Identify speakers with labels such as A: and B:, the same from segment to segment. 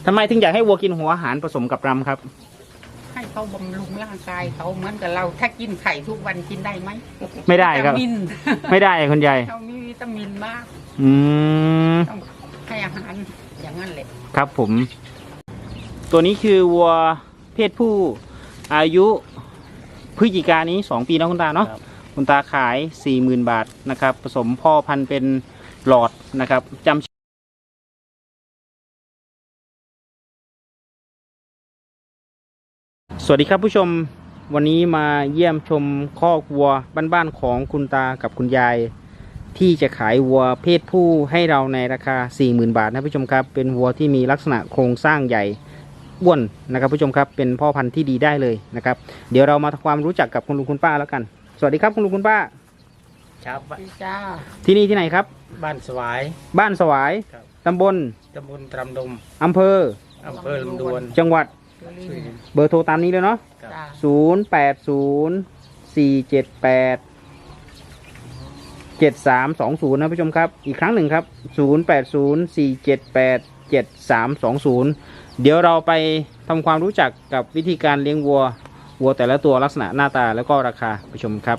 A: ทำไมถึงอยากให้วัวกินหัวอาหารผสมกับรำครับ
B: ให้เขาบำรุงร่างกายเขาเหมือนกับเราถ้ากินไข่ทุกวันกินได้ไหม
A: ไม่ได้ครับไม่ได้คุณยาย
B: เขามีวิตามินมากต้องให้อาหารอย่างนั้นแหละ
A: ครับผมตัวนี้คือวัวเพศผู้อายุพฤศจิกายนนี้2 ปีนะคุณตาเนาะคุณตาขาย 40,000 บาทนะครับผสมพ่อพันธุ์เป็นหลอดนะครับจำสวัสดีครับผู้ชมวันนี้มาเยี่ยมชมคอกวัวบ้านๆของคุณตากับคุณยายที่จะขายวัวเพศผู้ให้เราในราคา 40,000 บาทนะผู้ชมครับเป็นวัวที่มีลักษณะโครงสร้างใหญ่อ้วนนะครับผู้ชมครับเป็นพ่อพันธุ์ที่ดีได้เลยนะครับเดี๋ยวเรามาทำความรู้จักกับคุณลุงคุณป้าแล้วกันสวัสดีครับคุณลุงคุณป้า
B: ครับจ้า
A: ที่นี่ที่ไหนครับ
B: บ้านสวาย
A: ตำบล
B: ตรำดม
A: อำเภอ
B: ลำดวน
A: จังหวัดเบอร์โทรตามนี้เลยเนาะ0804787320นะผู้ชมครับอีกครั้งหนึ่งครับ0804787320เดี๋ยวเราไปทำความรู้จักกับวิธีการเลี้ยงวัวแต่ละตัวลักษณะหน้าตาแล้วก็ราคาผู้ชมครับ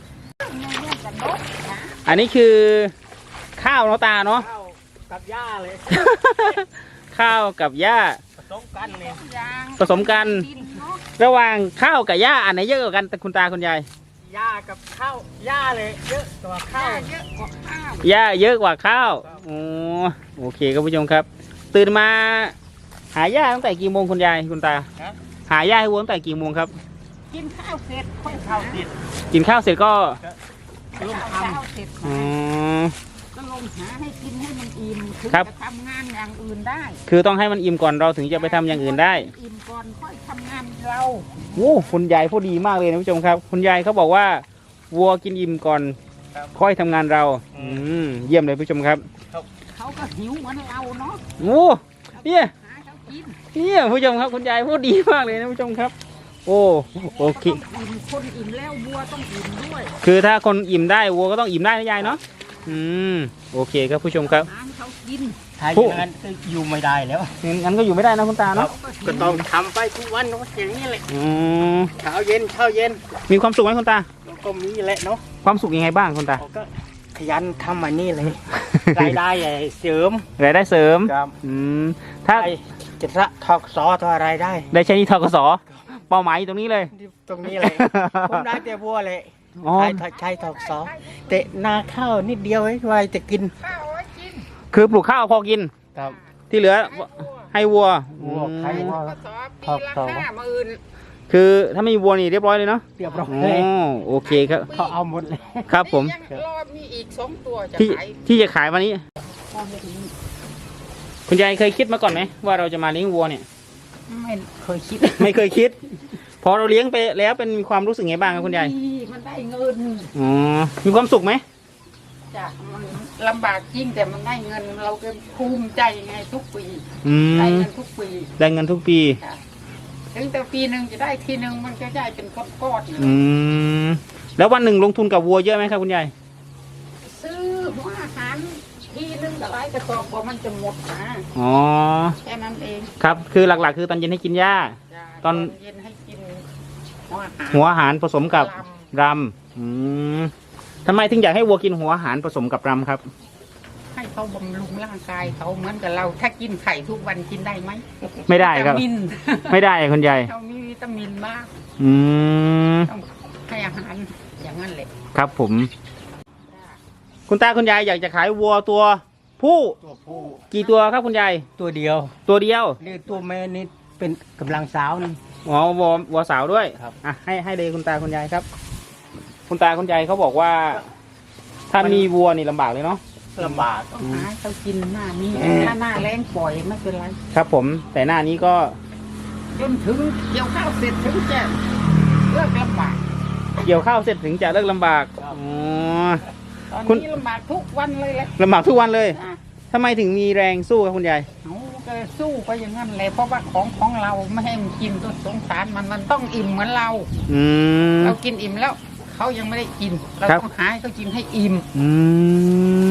A: อันนี้คือข้าวเนาะตาเนาะ
B: กับหญ้าเลย
A: ข้าวกับหญ้าผสมกันระหว่างข้าวกับหญ้าอันไหนเยอะกว่ากันคุณตาคุณยาย
B: หญ้ากับข้าวหญ้าเลยเยอะกว่าข้าว
A: หญ้าเยอะกว่าข้าวโอเคครับผู้ชมครับตื่นมาหาหญ้าตั้งแต่กี่โมงคุณยายคุณตาหาหญ้าให้วัวตั้งแต่กี่โมงครับ
B: กินข้าวเสร็จค่อยข้าวเสร็จ
A: กินข้าวเสร็จก็
B: ลงทำก็ลงหาให้กินให้มันอิ่มถึงจะทำงานอย่างอื่นได้
A: คือต้องให้มันอิ่มก่อนเราถึงจะไปทำอย่างอื่นได้
B: อิ่มก่อนค่อยทำงานเรา
A: โอ้คุณยายพูดดีมากเลยนะผู้ชมครับคุณยายเขาบอกว่าวัวกินอิ่มก่อนค่อยทำงานเราเยี่ยมเลยผู้ชมครับ
B: เขาก็หิวเหมือนเราเนาะ
A: โอ้เนี่ยผู้ชมครับคุณยายพูดดีมากเลยนะผู้ชมครับโอเค
B: คนอิ่มแล้ววัวต้องอิ่มด้วย
A: คือถ้าคนอิ่มได้วัวก็ต้องอิ่มได้นะยายเนาะโอเคครับผู้ชมครับ
B: เขากินถ้าอย่างนั้นก็อยู่ไม่ได้แล้ว
A: งั้นก็อยู่ไม่ได้นะคุณตาเนาะ
B: ก็ต้องทำไปทุกวันอย่างนี้เลยเช้าเย็น
A: มีความสุขไหมคุณตา
B: ก็มีแหละเนาะ
A: ความสุขยังไงบ้างคุณตา
B: ก็ขยันทำอันนี้เลยรายได้เสริม
A: ครับถ้า
B: จะระทกศทอะไร
A: ได้ใช้นี่ทกศเป้าหมายตรงนี้เลย
B: ผมได้แต่วัวเลยใช้ทกศแต่นาข้าวนิดเดียวไว้จะกิน
A: คือปลูกข้าวพอกินที่เหลือให้วัว
B: ใช้วัวทกศ
A: คือถ้าไม่มีวัวนี่เรียบร้อยเลยเนาะ
B: เรียบร้อยเลย
A: โอเคครับ
B: เขาเอาหมดเลย
A: ครับผม
B: มีอีก2 ตัว
A: ที่จะขายวันนี้คุณยายเคยคิดมาก่อนไหมว่าเราจะมาเลี้ยงวัวเนี่ย
B: ไม่เคย
A: คิดพอเราเลี้ยงไปแล้วเป็นมีความรู้สึกไงบ้างครับคุณยาย
B: มันได้เงิน
A: มีความสุขไหม
B: จ้ะมันลำบากจริงแต่มันได้เงินเราก็ภูมิใจไงทุกปีได้เงินทุกปีถึงแต่ปีหนึ่งจะได้ทีหนึ่งมันจะได้เป็นก้อน
A: แล้ววันหนึ่งลงทุนกับวัวเยอะไหมครับคุณยาย
B: ซื้อหัวอาหารทีนึงแต่ไรกระสอบกว่ามันจะหมดนะแค่นั้นเอง
A: ครับคือหลักๆคือตอนเย็นให้กินหญ้าตอน
B: เย็นให้กิน
A: หัวอาหารผสมกับรำทำไมถึงอยากให้วัวกินหัวอาหารผสมกับรำครับ
B: ให้เขาบำรุงร่างกายเขาเหมือนกับเราถ้ากินไข่ทุกวันกินได้ไหม
A: ไม่ได้ครับไม่ได้คุณยาย
B: เขามีวิตามินมากต้องให้อาหารอย่างนั้นแหละ
A: ครับผมคุณตาคุณยายอยากจะขายวัวตัวผู้กี่ตัวครับคุณยาย
B: ตัวเดียวนี่ตัวแม่นี่เป็นกำลังสาวนี่
A: วัวสาวด้วย
B: ครับ
A: ให้เลยคุณตาคุณยายครับคุณตาคุณยายเขาบอกว่าถ้ามีวัวนี่ลำบากเลยเนาะ
B: ลำบากต้องหาเขากินหน้านี้ถ้าหน้าแรงปล่อยไม่เป็นไร
A: ครับผมแต่หน้านี้ก็
B: จนถึงเกี่ยวข้าวเสร็จถึงจะเลิกลำบาก
A: เกี่ยวข้าวเสร็จถึงจะเลิกลำบาก
B: ตอนนี้ลำบากทุกวันเลยแหละ
A: ลำบากทุกวันเลยทำไมถึงมีแรงสู้ครับคุณยาย
B: ก็สู้ไปอย่างนั้นเลยเพราะว่าของเราไม่ให้มันกินต้นสงสารมันต้องอิ่มเหมือนเราเรากินอิ่มแล้วเขายังไม่ได้กินเราต้องหาให้เขากินให้อิ่ม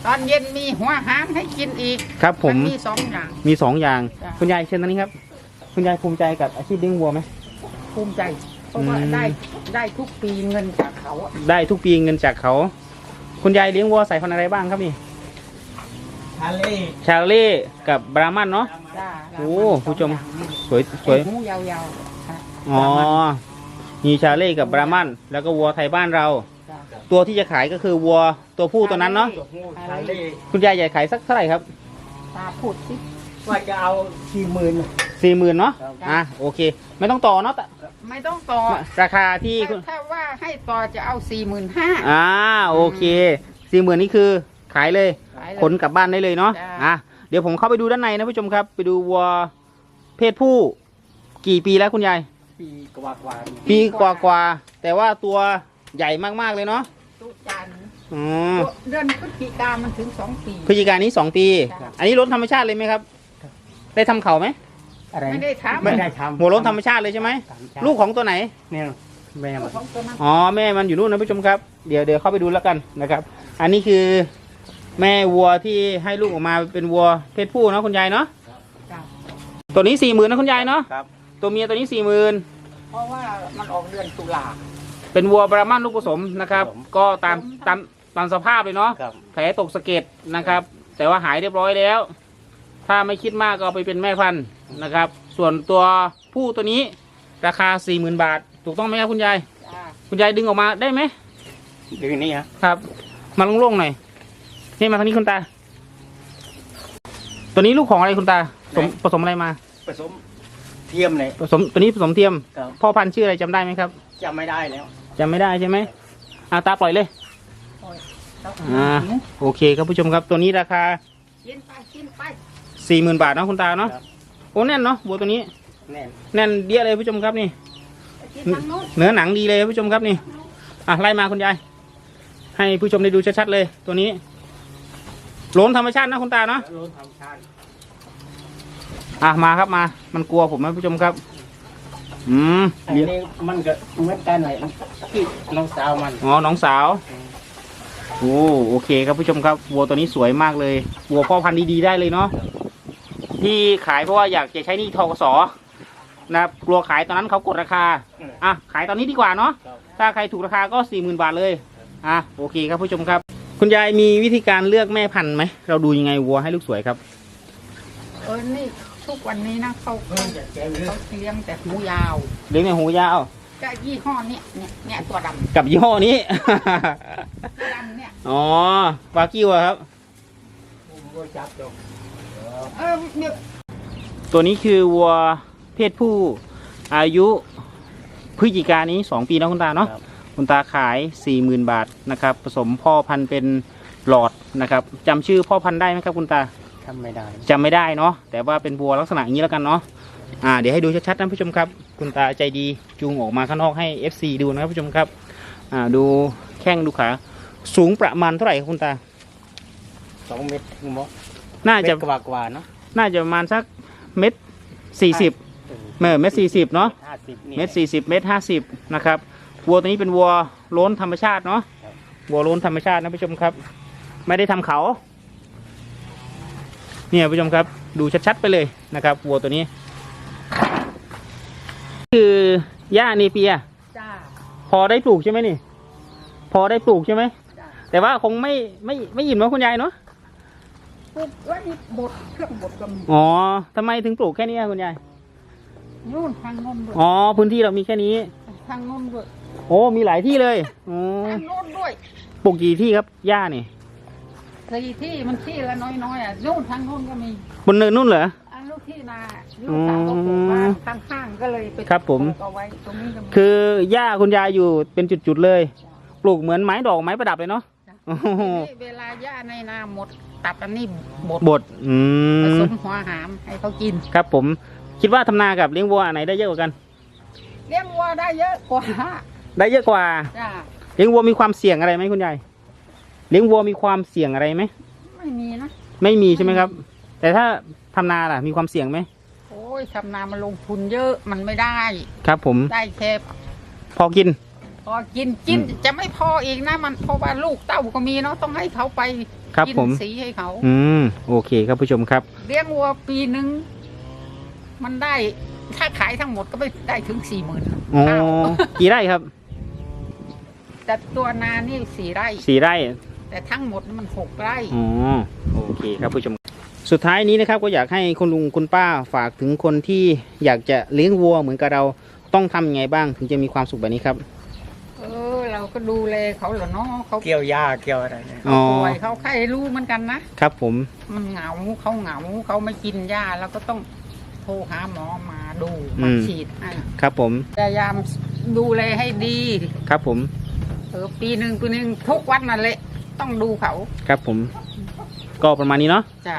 B: ตอนเย็นมีหัวหารให้กินอีก
A: ครับผม
B: นมี2 อย่าง
A: มี2 อย่าง
B: จ้ะ
A: คุณยายเชิญตรงนี้ครับคุณยายภูมิใจกับอาชีพเลี้ยงวัวไหม
B: ภูมิใจ เพราะว่า
A: อืม
B: ได้ทุกปีเงินจากเขาอะ
A: ได้ทุกปีเงินจากเขา คุณยายเลี้ยงวัวสายพันธุ์อะไรบ้างครับนี่
C: ชาเล่
A: ชาเล่กับบรามันเนาะ
B: จ้า
A: โอ้ผู้ชม สวยสวย
B: หูยาวๆค่ะ
A: อ๋อมีชาเล่กับบรามันแล้วก็วัวไทยบ้านเรา
B: จ้ะ
A: ตัวที่จะขายก็คือวัวตัวผู้ตัวนั้นเนาะ
C: ตัวหูชาเล่
A: คุณยายใหญ่ขายสักเท่าไหร่ครับ
B: ตาพูดสิ
C: ว่าจะเอา40,000
A: 40,000เนาะ
C: ครับ
A: อ่ะโอเค ไม่ต้องต่อเนาะแต่
B: ไม่ต้องต่อ
A: ราคาที่คุณ
B: ถ้าว่าให้ต่อจะเอา45,000
A: โอเค40,000นี่คือขายเลย
B: ขายเลย
A: ขนกลับบ้านได้เลยเนาะ
B: จ้ะ
A: เดี๋ยวผมเข้าไปดูด้านในนะผู้ชมครับ ไปดูวัวเพศผู้กี่ปีแล้วคุณยาย
C: ปีกว่าๆ
A: ปีกว่าๆแต่ว่าตัวใหญ่มากๆเลยเนาะ
B: ตุจันทร์
A: อ๋อ
B: เดือนพฤศจิกามันถึง2 ปี
A: พฤศจิกายนนี้2 ปี
B: จ้ะ
A: อันนี้ล้นธรรมชาติเลยไหมครับ ได้ทำเขาไหม
C: อะไร
B: ไม่ได้ทำ
C: ไม่ได้ทำ
A: หัวล้นธรรมชาติเลยใช่ไหม ลูกของตัวไหน
C: เนี่ยแม่มัน
B: ของตัวนั้น
A: อ๋อแม่มันอยู่นู่นนะผู้ชมครับเดี๋ยวเข้าไปดูแล้วกันนะครับ อันนี้คือแม่วัวที่ให้ลูกออกมาเป็นวัวเพศผู้เนาะคุณยายเนาะ
B: จ้ะ
A: ตัวนี้40,000นะคุณยายเนาะ
C: ครับ
A: ตัวเมียตัวนี้40,000
B: เพราะว่ามันออกเดือนตุลา
A: เป็นวัวบรามันลูกผสมนะครับ ก็ตามสภาพเลยเนาะ
C: ครับ
A: แผลตกสะเก็ดนะครับ แต่ว่าหายเรียบร้อยแล้ว ถ้าไม่คิดมากก็เอาไปเป็นแม่พันธุ์นะครับ ส่วนตัวผู้ตัวนี้ราคา 40,000 บาท ถูกต้องไหมครับคุณยาย
B: จ้ะ
A: คุณยายดึงออกมาได้ไหม
C: เดือนนี้ฮะ
A: ครับ มาโล่งๆหน่อยนี่มาทางนี้คุณตา ตัวนี้ลูกของอะไรคุณตาผสมอะไรมา
C: ผสมเทียมเลย
A: ตัวนี้ผสมเทียม
C: ครับ
A: พ่อพันธุ์ชื่ออะไรจำได้ไหมครับ
C: จำไม่ได้แล้ว
A: จำไม่ได้ใช่ไหมตาปล่อยเลย
B: โอ้ยแล้ว
A: โอเคครับผู้ชมครับ ตัวนี้ราคา
B: กินไปกินไป
A: 40,000 บาทเนาะคุณตาเนาะ
C: ครับ
A: โอ้แน่นเนาะวัวตัวนี้
C: แน่น
A: แน่นเดียเลยผู้ชมครับนี่
B: ไปกินทางโน้น
A: เนื้อหนังดีเลยผู้ชมครับนี่ไล่มาคุณยายให้ผู้ชมได้ดูชัดๆเลย ตัวนี้โหลนธรรมชาตินะคุณตาเนาะ
C: แล้วรถทำชาติ
A: มาครับมา มันกลัวผมนะผู้ชมครับ
C: อันนี้มันก็เหมือนกันเลยที่น้องสาวมัน
A: อ๋อน้องสาวโอเคครับผู้ชมครับวัวตัวนี้สวยมากเลยวัวพ่อพันธุ์ดีๆได้เลยเนาะที่ขายเพราะว่าอยากจะใช้หนี่ทกสนะครับกลัวขายตอนนั้นเขากดราคาขายตอนนี้ดีกว่าเนาะ
C: ครับ
A: ถ้าใครถูกราคาก็ 40,000 บาทเลยโอเคครับผู้ชมครับ คุณยายมีวิธีการเลือกแม่พันธุ์ไหมเราดูยังไงวัวให้ลูกสวยครับ
B: นี่ทุกวันนี้นะเขาเลี้ยงแต่หูยาว
A: เลี้ยงในหูยาว
B: ก็ยี่ห้อเนี่ยตัวดำ
A: กับยี่ห้อนี้
B: ตัวดำเนี่ย
A: อ๋อวากิวอะครับ
C: ผมก็จับดอก
B: เนี่ย
A: ตัวนี้คือวัวเพศผู้อายุพฤศจิกายนนี้2 ปีนะคุณตาเนาะ
C: ครับ
A: คุณตาขาย 40,000 บาทนะครับผสมพ่อพันธุ์เป็นหลอดนะครับจำชื่อพ่อพันธุ์ได้ไหมครับคุณตา
C: ทำไม่ได้
A: จำไม่ได้เนาะแต่ว่าเป็นวัวลักษณะอย่างนี้แล้วกันเนาะเดี๋ยวให้ดูชัดๆนะผู้ชมครับ คุณตาใจดีจูงออกมาข้างนอกให้ FC ดูนะครับผู้ชมครับดูแข้งดูขาสูงประมาณเท่าไหร่ครับคุณตา
C: 2 เม็ดถึงมั้ง
A: น่าจะ
C: กว่าๆเนาะ
A: น่าจะประมาณสัก1.40 เ1.40 เนาะ
C: 50นี่
A: 1.40 1.50 นะครับวัวตัวนี้เป็นวัวโล้นธรรมชาติเนาะ
C: ครับ
A: วัวโล้นธรรมชาตินะผู้ชมครับ ไม่ได้ทำเขาเนี่ยผู้ชมครับดูชัดๆไปเลยนะครับวัวตัวนี้ คือหญ้าเนเปีย
B: จ้า
A: พอได้ปลูกใช่ไหมนี่ พอได้ปลูกใช่ไหม
B: จ้า
A: แต่ว่าคงไม่อิ่มเนาะคุณยายเนาะ
B: ปุ๊บแล้วนี่บดเครื่องบดก็มี
A: อ๋อทำไมถึงปลูกแค่นี้อะคุณยาย
B: นู่นทางโน้นด้วย
A: อ๋อพื้นที่เรามีแค่นี้
B: ทางโน้นด้วย
A: โอ้มีหลายที่เลยอ๋อ
B: ทางโน้นด้วย
A: ปลูกกี่ที่ครับหญ้านี่
B: สี่ที่มันที่ละน้อยนู่นทางโน้นก็มี
A: บนเนินนู่นเหรอ
B: อันลูกที่นาลูกสาวก็ปลูกบ้านข้างๆก็เลยไป
A: ครับผม
B: ปลูกเอาไว้ตรงนี้ก็มี
A: คือหญ้าคุณยายอยู่เป็นจุดๆเลย ปลูกเหมือนไม้ดอกไม้ประดับเลยเนาะ
B: จ้ะ
A: โอ้โห
B: ทีนี้เวลาหญ้าในนาหมดตัดอันนี้บด
A: บด
B: ผสมหัวหามให้เขากิน
A: ครับผมคิดว่าทำนากับเลี้ยงวัวอันไหนได้เยอะกว่ากัน
B: เลี้ยงวัวได้เยอะกว่า
A: ได้เยอะกว่า
B: จ้า
A: เลี้ยงวัวมีความเสี่ยงอะไรไหมคุณยายเลี้ยงวัวมีความเสี่ยงอะไรไหม
B: ไม่มีนะ
A: ไม่มีใช่ไหมครับ แต่ถ้าทำนาล่ะมีความเสี่ยงไหม
B: โอ้ยทำนามันลงทุนเยอะมันไม่ได้
A: ครับผม
B: ได้แค่
A: พอกิน
B: พอกินจะไม่พออีกนะมันเพราะว่าลูกเต้าก็มีเนาะต้องให้เขาไป
A: ครับ
B: กิ
A: ผม
B: สีให้เขา
A: โอเคครับผู้ชมครับ
B: เลี้ยงวัวปีหนึ่งมันได้ถ้าขายทั้งหมดก็ไม่ได้ถึง 40,000
A: อ๋อ กี่ไร่ครับ
B: แต่ตัวนานี่4 ไร่
A: 4 ไร่
B: แต่ทั้งหมดมัน6 ไร่
A: อ๋อ โอเคครับผู้ชม สุดท้ายนี้นะครับก็อยากให้คุณลุงคุณป้าฝากถึงคนที่อยากจะเลี้ยงวัวเหมือนกับเราต้องทำยังไงบ้างถึงจะมีความสุขแบบนี้ครับ
B: เราก็ดูแลเขาเหรอเนาะเขา
C: เกี่ยวหญ้าเกี่ยวอะไรเนี่ย
A: อ๋อ
B: ป่วยเขาไข้รู้เหมือนกันนะครับ
A: ผม
B: มันเหงาเขาไม่กินยาแล้วก็ต้องโทรหาหมอมาดูมาฉีดให้
A: ครับผม
B: พยายามดูแลให้ดี
A: ครับผม
B: ปีหนึ่งทุกวันนั่นแหละต้องดูเขา
A: ครับผม ก็ประมาณนี้เนาะ
B: จ้ะ